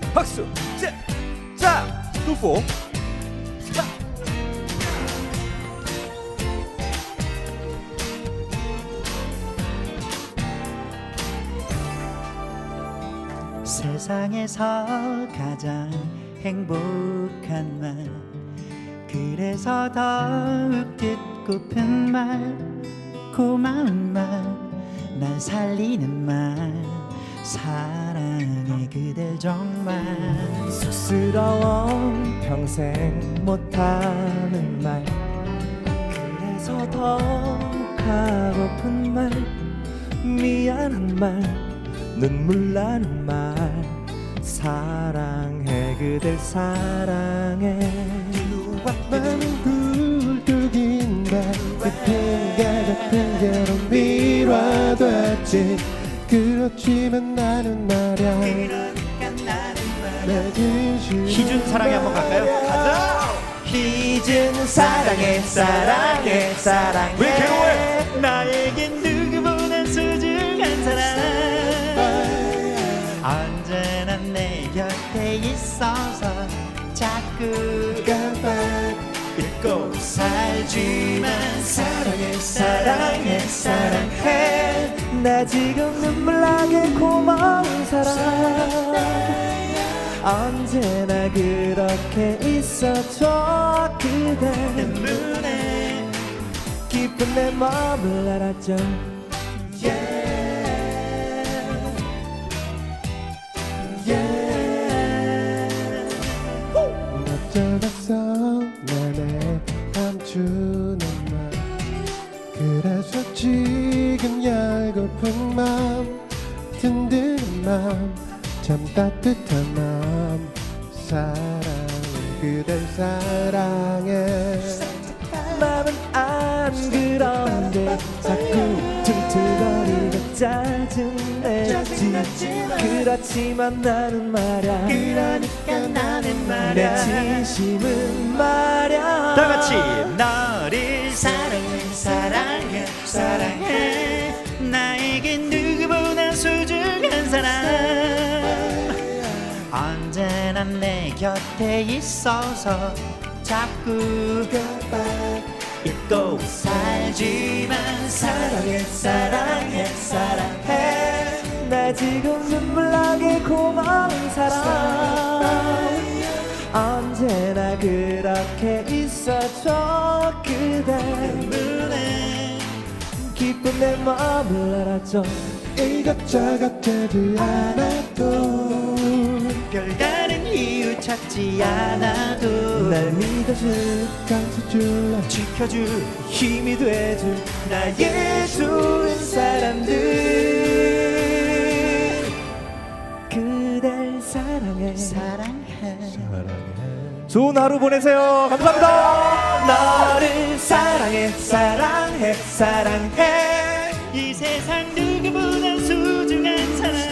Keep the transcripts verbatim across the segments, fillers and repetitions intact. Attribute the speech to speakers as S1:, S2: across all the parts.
S1: 박수. 자, 자, 투포. 자.
S2: 세상에서 가장 행복한 말, 그래서 더욱 듣고픈 말, 고마운 말, 날 살리는 말, 사랑해 그댈 정말.
S1: 쑥스러워 평생 못하는 말, 그래서 더욱 하고픈 말, 미안한 말, 눈물 나는 말, 사랑해 그댈 사랑해.
S3: 많은 굴뚝인 날 같은 게 같은 게로 밀어뒀지. 그렇지만 나는 말야 내 진심.
S2: 희준 사랑해 한번 갈까요?
S1: 가자.
S2: 희준 사랑해 사랑해 사랑해.
S1: 왜 괴로워해?
S2: 나에겐 누구보다 소중한 사람, 언제나 내 곁에 있어서 자꾸
S3: 깜빡
S2: 잊고 살지만 사랑해 사랑해 사랑해.
S1: 나 지금 눈물 나게 고마운 사람, 언제나 그렇게 있어줘 그대.
S2: 눈에
S1: 기쁜 내 마음을 알았죠.
S3: 어쩌겠어 나의 감추는 맘, 그래서 지금 열고픈 맘, 든든한 맘, 참 따뜻한 맘, 사랑해 그댈 사랑해.
S1: 마음은 안 그런데 자꾸 퉁퉁거리고 짜증내지. 그렇지만 나는 말야,
S2: 그러니까 나는
S1: 내
S2: 말야
S1: 진심은 말야.
S2: 다 같이 너를 사랑해 사랑해 사랑해. 나에게 누구보다 소중한 사람, 언제나 내 곁에 있어서 자꾸 잊고 살지만 사랑해 사랑해 사랑해.
S1: 나 지금 눈물 나게 고마운 사람, 언제나 그렇게 있어줘 그대.
S2: 눈에
S1: 기쁜 내 마음을 알았죠.
S3: 이것저것 되지 않아도
S2: 별다른 이유 찾지 않아도
S1: 날 믿어줄,
S3: 감싸줄래.
S2: 지켜줄
S1: 힘이 돼줄 나의 좋은 사람들, 그댈 사랑해
S2: 사랑해.
S1: 좋은 하루 보내세요. 감사합니다. 너를 사랑해 사랑해 사랑해.
S2: 이 세상 누구보다 소중한 사람,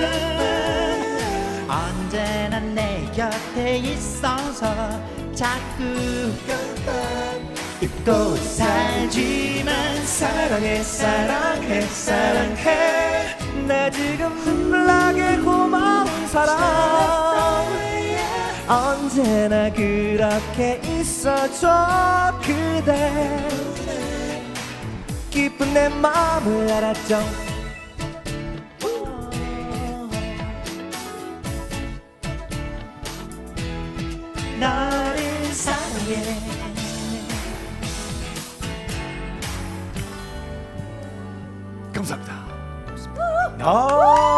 S2: 언제나 내 곁에 있어서 자꾸 잊고 살지만
S1: 사랑해 사랑해 사랑해. 나 지금 눈물 나게 고마운 사람, 언제나 그렇게 있어줘 그대. 기쁜 내 마음을 알았죠.
S2: 너를 사랑해.
S1: 감사합니다. 아